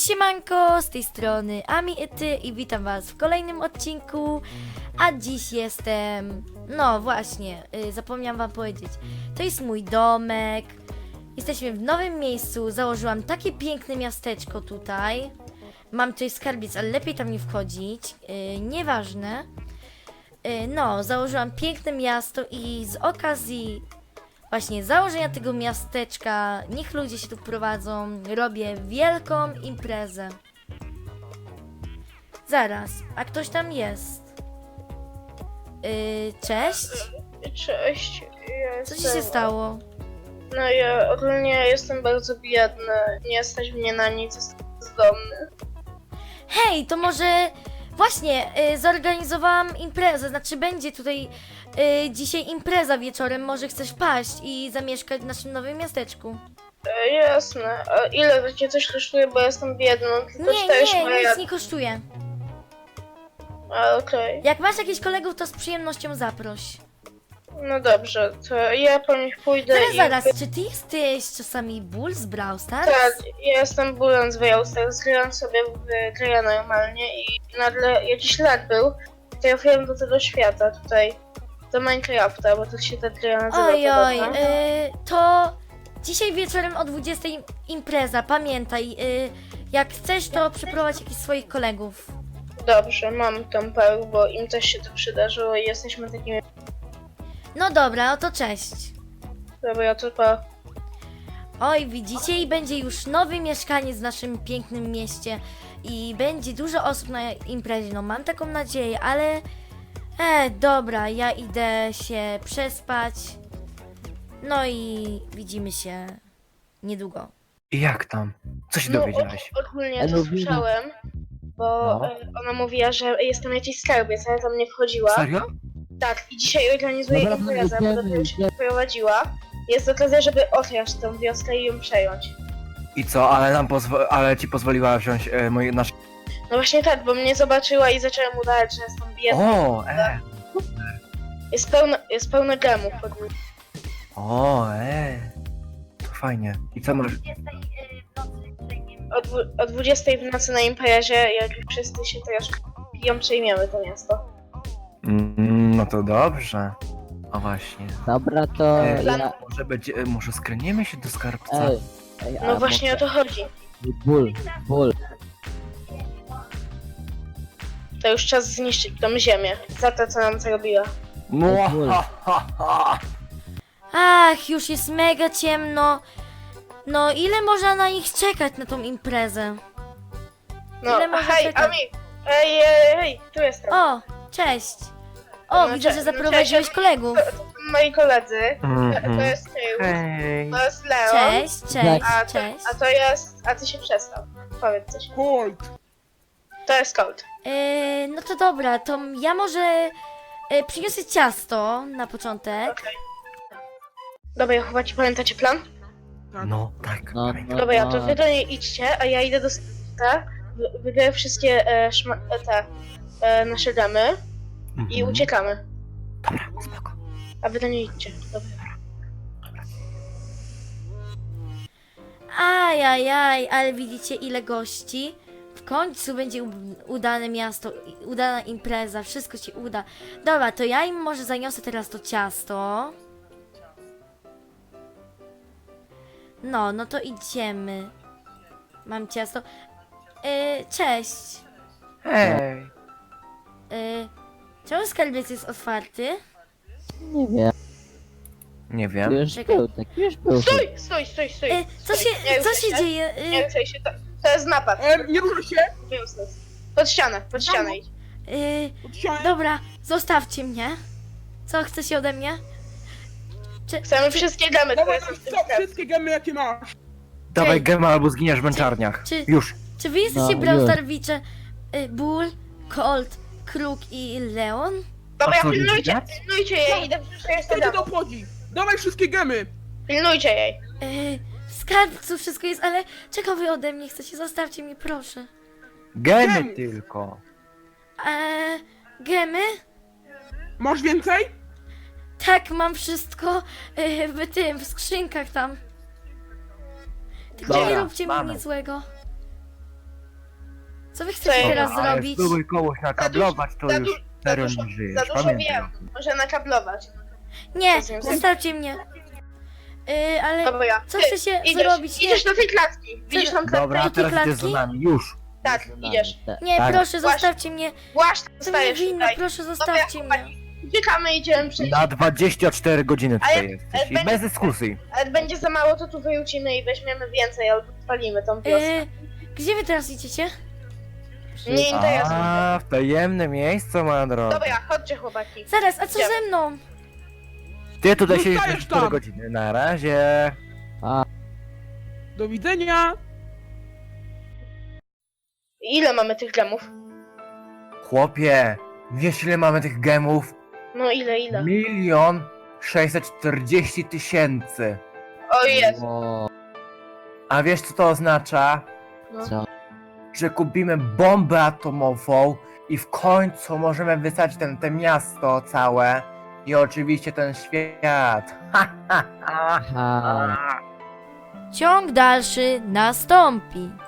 Siemanko, z tej strony Ami i Ty i witam was w kolejnym odcinku. A dziś jestem... No właśnie, zapomniałam wam powiedzieć. To jest mój domek. Jesteśmy w nowym miejscu. Założyłam takie piękne miasteczko tutaj. Mam tutaj skarbiec, ale lepiej tam nie wchodzić. Nieważne. No, założyłam piękne miasto i z okazji właśnie założenia tego miasteczka, niech ludzie się tu prowadzą, robię wielką imprezę. Zaraz, a ktoś tam jest? Cześć? Cześć, Co ci się stało? No ja ogólnie jestem bardzo biedny, nie stać mnie na nic, jestem bezdomny. Hej, to może właśnie zorganizowałam imprezę, znaczy będzie tutaj dzisiaj impreza wieczorem, może chcesz wpaść i zamieszkać w naszym nowym miasteczku? Jasne, a ile to cię coś kosztuje, bo jestem biedny, tylko Nie, nic nie kosztuje. Okej. Jak masz jakichś kolegów, to z przyjemnością zaproś. No dobrze, to ja po nich pójdę Zaraz, czy ty jesteś czasami Bull z Brawl Stars? Tak, ja jestem Bulan z Wyjałstach, zgrałem sobie w grę normalnie i nagle jakiś lat był, trafiłem do tego świata tutaj, do Minecrafta, bo to się ta gra nazywa. Ojoj, podobno. to dzisiaj wieczorem o 20 impreza, pamiętaj, jak chcesz, to przyprowadź jakichś swoich kolegów. Dobrze, mam tą parę, bo im też się to przydarzyło i jesteśmy takimi... No dobra, oto cześć. Dobra, to pa. Oj, widzicie, i będzie już nowy mieszkaniec w naszym pięknym mieście i będzie dużo osób na imprezie, no mam taką nadzieję, ale... dobra, ja idę się przespać, no i widzimy się niedługo. I jak tam? Co się dowiedziałeś? Ogólnie to słyszałem, bo No. ona mówiła, że jest tam jakiś skarbiec, ale tam nie wchodziła. Serio? Tak, i dzisiaj organizuje Dobra, imprezę, bo dopiero się idziemy. prowadziła. Jest okazja, żeby okraść tą wioskę i ją przejąć. I co, ale ci pozwoliła wziąć nasze... No właśnie tak, bo mnie zobaczyła i zaczęła mu dać, że jestem biedny. O, Jest pełno gemów. o, to fajnie. I co masz? O 20 w nocy na imprezie, jak wszyscy się teraz piją, przejmiemy to miasto. No to dobrze. O właśnie. Dobra, to ja... Może skręcimy się do skarbca? Ej, No właśnie o to chodzi. Ból. To już czas zniszczyć tą ziemię za to, co nam zrobiła. Mwahaha. Ach, już jest mega ciemno. No, ile można na nich czekać, na tą imprezę? No, Ile można hej, czekać? Ami! Ej, tu jestem. O, cześć. O, No, widzę, że no, zaprowadziłeś cześć. kolegów. To są moi koledzy. To Mhm. jest Tył, Hej. to jest Leon. Cześć, cześć. A to jest... A ty się przestał. Powiedz coś. Colt! To jest Colt. No to dobra, to ja może przyniosę ciasto na początek. Okej. Dobra, chłopaki, pamiętacie plan? No, tak. No, pamiętam. Dobra, to wy do niej idźcie, a ja idę do sklepu, wybiorę wszystkie nasze damy i Mhm. uciekamy. Dobra, spoko. A wy do niej idźcie. Dobra. Ajajaj, ale widzicie ile gości? W końcu będzie udane miasto, udana impreza, wszystko się uda. Dobra, to ja im może zaniosę teraz to ciasto. No to idziemy. Mam ciasto. Cześć. Hej. Czemu skarbiec jest otwarty? Nie wiem. Nie Tu wiem. już Czekaj. był, tak już był. Stój! Nie Co ruszaj się dzieje? Nie ruszaj się, to jest napad. Nie ruszaj się! Useless. Pod ścianę idź. Odsiałem. Dobra, zostawcie mnie. Co chcecie ode mnie? Chcemy wszystkie damy, które Dawaj, są w tym co, sklepie. wszystkie gemy jakie masz. Dawaj gema albo zginiesz w męczarniach. Czy- Już. Czy wy jesteście No, Brawl już. Starwicze? Bull, Colt, Kruk i Leon? Dobra, A co, pilnujcie widać? jej, idę wszystkie Co cię damy. to obchodzi? Dawaj wszystkie gemy! Pilnujcie jej. W skarbcu wszystko jest, ale czego wy ode mnie chcecie? Zostawcie mnie, proszę. Gemy Gemy. tylko. Gemy? Masz więcej? Tak, mam wszystko w skrzynkach tam. Tylko nie Dobra, róbcie mi mamy. nic złego. Co wy chcecie Co? teraz Ale zrobić? spróbuj kogoś nakablować, to za już du- serio za nie żyjesz, Za dużo pamiętaj. wiem, może nakablować. Nie, Co z nim zostawcie mnie. Ale Dobra, co ty, chcecie zrobić? Nie, Idziesz do tej klatki. Widzisz tą klatkę? Dobra, a Jakie teraz idziesz za klatki? nami, już. Tak, idziesz. nie, Tak. proszę, zostawcie mnie. Właśnie, To mnie zostajesz winno, tutaj. proszę, zostawcie mnie. Uciekamy, idziemy przejść. Na 24 godziny Ale- tutaj jesteś i ale bez dyskusji. Ale będzie za mało, to tu wyrzucimy i weźmiemy więcej, albo spalimy tą wiosnę. Gdzie wy teraz idziecie? Nie interesuje. A, w tajemne miejsce, moja droga. Dobra, chodźcie chłopaki. Zaraz, a co Idziemy. ze mną? Ty tutaj siedzisz Zostajesz 4 tam. godziny, na razie. Do widzenia. Ile mamy tych gemów? Chłopie, wiesz ile mamy tych gemów? No ile? 1 640 000. O Jezu. O, A wiesz co to oznacza? co? Że kupimy bombę atomową i w końcu możemy wysadzić te miasto całe i oczywiście ten świat. Ha, ha, ha, Aha. ha. Ciąg dalszy nastąpi.